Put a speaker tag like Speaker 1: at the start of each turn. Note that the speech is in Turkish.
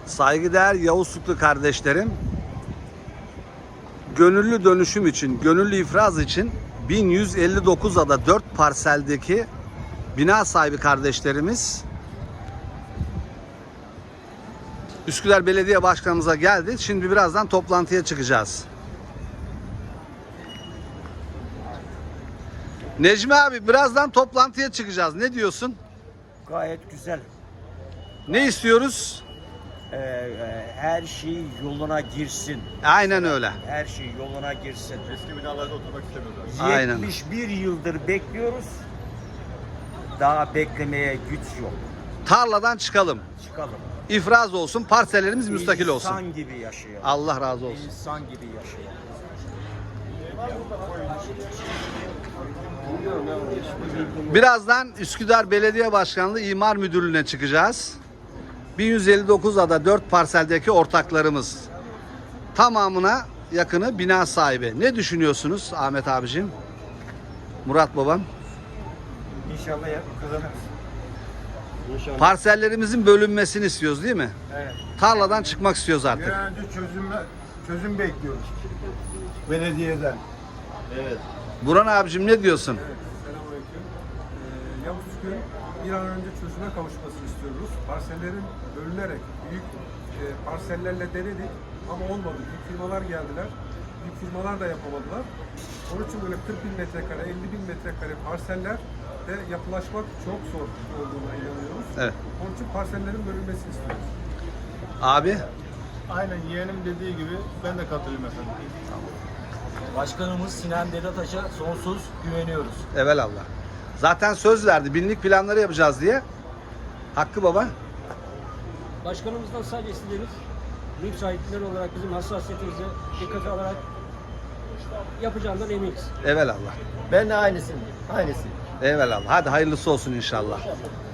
Speaker 1: Saygıdeğer Yavuzluklu kardeşlerim, gönüllü dönüşüm için, gönüllü ifraz için 1159 ada 4 parseldeki bina sahibi kardeşlerimiz Üsküdar Belediye Başkanımıza geldi. Şimdi birazdan toplantıya çıkacağız. Necmi abi, birazdan toplantıya çıkacağız. Ne diyorsun?
Speaker 2: Gayet güzel.
Speaker 1: Ne istiyoruz?
Speaker 2: Her şey yoluna girsin.
Speaker 1: Aynen öyle.
Speaker 2: Her şey yoluna girsin.
Speaker 3: Eski binalarda oturmak istemiyorlar.
Speaker 1: Aynen.
Speaker 2: 71 yıldır bekliyoruz. Daha beklemeye güç yok.
Speaker 1: Tarladan çıkalım.
Speaker 2: Çıkalım.
Speaker 1: İfraz olsun, parsellerimiz müstakil olsun.
Speaker 2: İnsan gibi yaşayalım.
Speaker 1: Allah razı olsun.
Speaker 2: İnsan gibi yaşayalım.
Speaker 1: Birazdan Üsküdar Belediye Başkanlığı İmar Müdürlüğü'ne çıkacağız. 1159 ada 4 parseldeki ortaklarımız. Tamamına yakını bina sahibi. Ne düşünüyorsunuz Ahmet abicim? Murat babam?
Speaker 2: İnşallah kazanırız. İnşallah.
Speaker 1: Parsellerimizin bölünmesini istiyoruz değil mi?
Speaker 2: Evet.
Speaker 1: Tarladan çıkmak istiyoruz
Speaker 3: Bir
Speaker 1: artık.
Speaker 3: an önce çözüm bekliyoruz. Belediyeden.
Speaker 2: Evet.
Speaker 1: Burhan abicim ne diyorsun?
Speaker 4: Selamünaleyküm. Yavuzköy bir an önce çözüme kavuşmasını istiyoruz. Parsellerin bölünerek büyük parsellerle denedik ama olmadı. Büyük firmalar geldiler. Büyük firmalar da yapamadılar. Onun için böyle 40 bin metrekare, 50 bin metrekare parseller de yapılaşmak çok zor olduğuna inanıyoruz.
Speaker 1: Evet.
Speaker 4: Onun için parsellerin bölünmesini istiyoruz.
Speaker 1: Abi?
Speaker 3: Aynen yeğenim dediği gibi ben de katılayım efendim.
Speaker 5: Başkanımız Sinan Dedataş'a sonsuz güveniyoruz.
Speaker 1: Evelallah. Zaten söz verdi. Binlik planları yapacağız diye. Hakkı baba.
Speaker 6: Başkanımızdan sadece istediğimiz mülk sahipleri olarak bizim hassasiyetimize dikkate alarak yapacağından eminiz.
Speaker 1: Evelallah.
Speaker 2: Ben de aynısıyım. Aynısı.
Speaker 1: Evelallah. Hadi hayırlısı olsun inşallah.